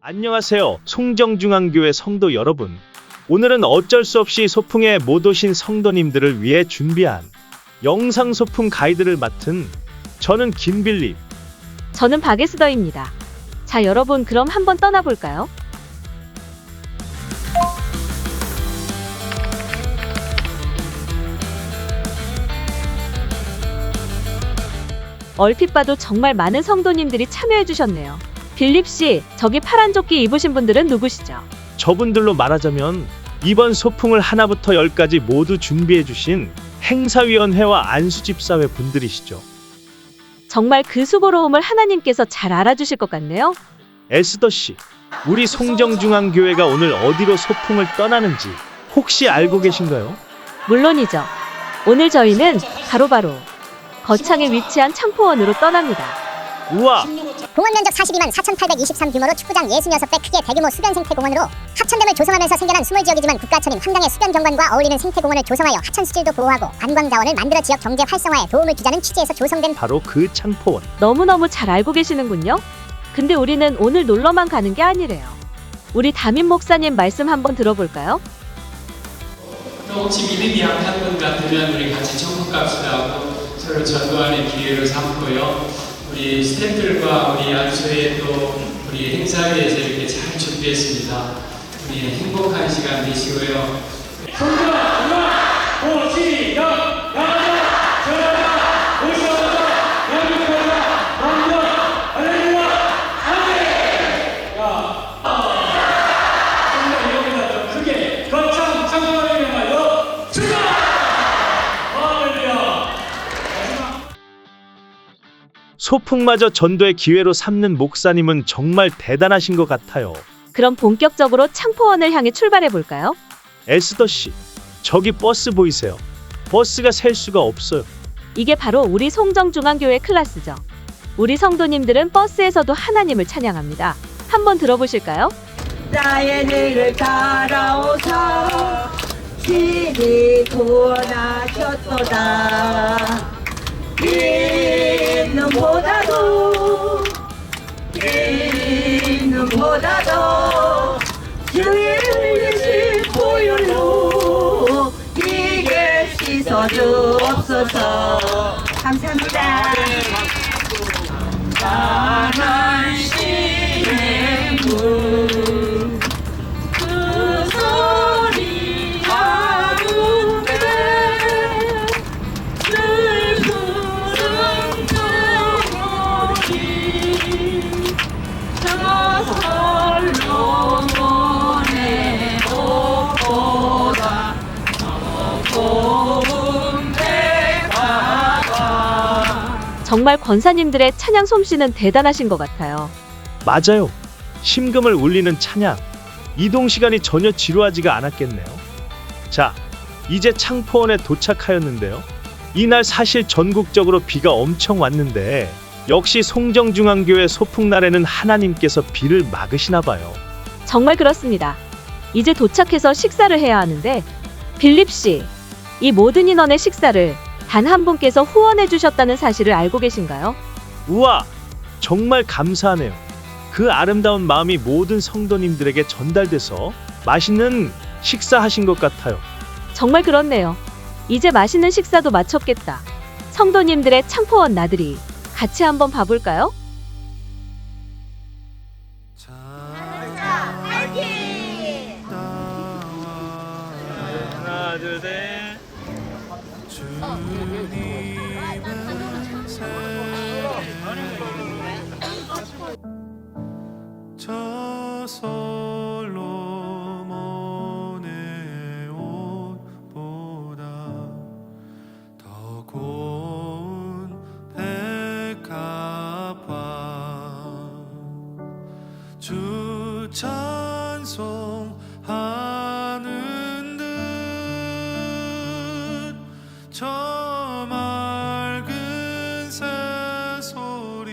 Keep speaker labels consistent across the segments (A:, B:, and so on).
A: 안녕하세요. 송정중앙교회 성도 여러분. 오늘은 어쩔 수 없이 소풍에 못 오신 성도님들을 위해 준비한 영상 소풍 가이드를 맡은 저는 김빌립.
B: 저는 박예스더입니다. 자, 여러분 그럼 한번 떠나볼까요? 얼핏 봐도 정말 많은 성도님들이 참여해주셨네요. 빌립씨, 저기 파란 조끼 입으신 분들은 누구시죠?
A: 저분들로 말하자면 이번 소풍을 하나부터 열까지 모두 준비해주신 행사위원회와 안수집사회 분들이시죠.
B: 정말 그 수고로움을 하나님께서 잘 알아주실 것 같네요.
A: 에스더씨, 우리 송정중앙교회가 오늘 어디로 소풍을 떠나는지 혹시 알고 계신가요?
B: 물론이죠. 오늘 저희는 바로 거창에 위치한 창포원으로 떠납니다.
A: 우와!
C: 공원 면적 42만 4,823 규모로 축구장 66배 크기의 대규모 수변 생태공원으로 하천댐을 조성하면서 생겨난 수몰지역이지만 국가천인 환경의 수변 경관과 어울리는 생태공원을 조성하여 하천 수질도 보호하고 관광자원을 만들어 지역 경제 활성화에 도움을 주자는 취지에서 조성된
A: 바로 그 창포원.
B: 너무너무 잘 알고 계시는군요. 근데 우리는 오늘 놀러만 가는 게 아니래요. 우리 담임 목사님 말씀 한번 들어볼까요?
D: 혹시 믿음이 약한 분 같으면 우리 같이 천국 갑시다 하고 서로 전도하는 기회로 삼고요. 우리 스태프들과 우리 안수회 또 우리 행사위에서 이렇게 잘 준비했습니다. 우리 행복한 시간 되시고요.
A: 소풍마저 전도의 기회로 삼는 목사님은 정말 대단하신 것 같아요.
B: 그럼 본격적으로 창포원을 향해 출발해 볼까요?
A: 에스더씨, 저기 버스 보이세요? 버스가 셀 수가 없어요.
B: 이게 바로 우리 송정중앙교회 클래스죠. 우리 성도님들은 버스에서도 하나님을 찬양합니다. 한번 들어보실까요?
E: 나의 늙을 따라오사 신이 구원하셨도다. 이는보다도 주의 흘리신 보혈로 이게 씻어주옵소서. 감사합니다. 나는 신의 그 소리 가운데 늘 부른 그물이 저 솔로몬의 옷보다 더 고운 배가
B: 정말 권사님들의 찬양 솜씨는 대단하신 것 같아요.
A: 맞아요. 심금을 울리는 찬양. 이동 시간이 전혀 지루하지가 않았겠네요. 자, 이제 창포원에 도착하였는데요. 이날 사실 전국적으로 비가 엄청 왔는데 역시 송정중앙교회 소풍날에는 하나님께서 비를 막으시나 봐요.
B: 정말 그렇습니다. 이제 도착해서 식사를 해야 하는데 빌립씨, 이 모든 인원의 식사를 단 한 분께서 후원해 주셨다는 사실을 알고 계신가요?
A: 우와! 정말 감사하네요. 그 아름다운 마음이 모든 성도님들에게 전달돼서 맛있는 식사하신 것 같아요.
B: 정말 그렇네요. 이제 맛있는 식사도 마쳤겠다. 성도님들의 창포원 나들이 같이 한번 봐볼까요?
A: 하나, 둘, 셋.
F: 저 솔로몬의 옷보다 더 고운 백합화 주 찬송하는 듯 저 맑은 새소리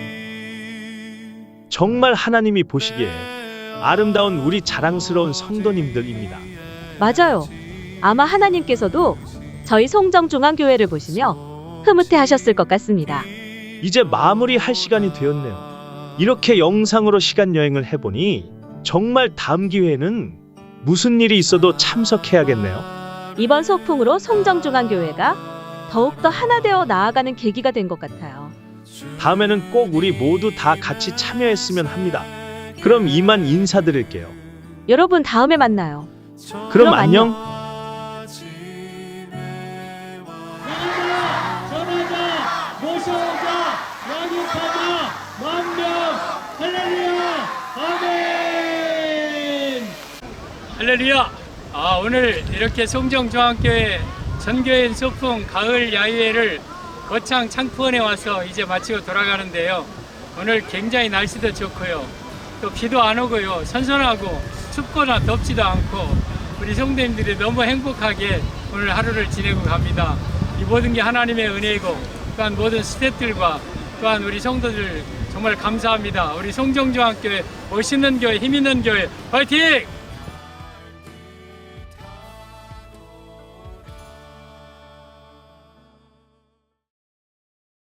A: 정말 하나님이 보시기에 아름다운 우리 자랑스러운 성도님들입니다.
B: 맞아요. 아마 하나님께서도 저희 송정중앙교회를 보시며 흐뭇해 하셨을 것 같습니다.
A: 이제 마무리할 시간이 되었네요. 이렇게 영상으로 시간 여행을 해보니 정말 다음 기회에는 무슨 일이 있어도 참석해야겠네요.
B: 이번 소풍으로 송정중앙교회가 더욱더 하나 되어 나아가는 계기가 된 것 같아요.
A: 다음에는 꼭 우리 모두 다 같이 참여했으면 합니다. 그럼 이만 인사드릴게요.
B: 여러분 다음에 만나요.
A: 그럼 안녕.
D: 전하자, 모셔오자, 양육하자, 만명, 할렐루야, 아멘. 할렐루야. 오늘 이렇게 송정중앙교회 전교인 소풍 가을 야유회를 거창 창포원에 와서 이제 마치고 돌아가는데요. 오늘 굉장히 날씨도 좋고요. 또 비도 안 오고요. 선선하고 춥거나 덥지도 않고 우리 성도님들이 너무 행복하게 오늘 하루를 지내고 갑니다. 이 모든 게 하나님의 은혜이고 또한 모든 스태프들과 또한 우리 성도들 정말 감사합니다. 우리 송정중앙교회 멋있는 교회, 힘 있는 교회 화이팅!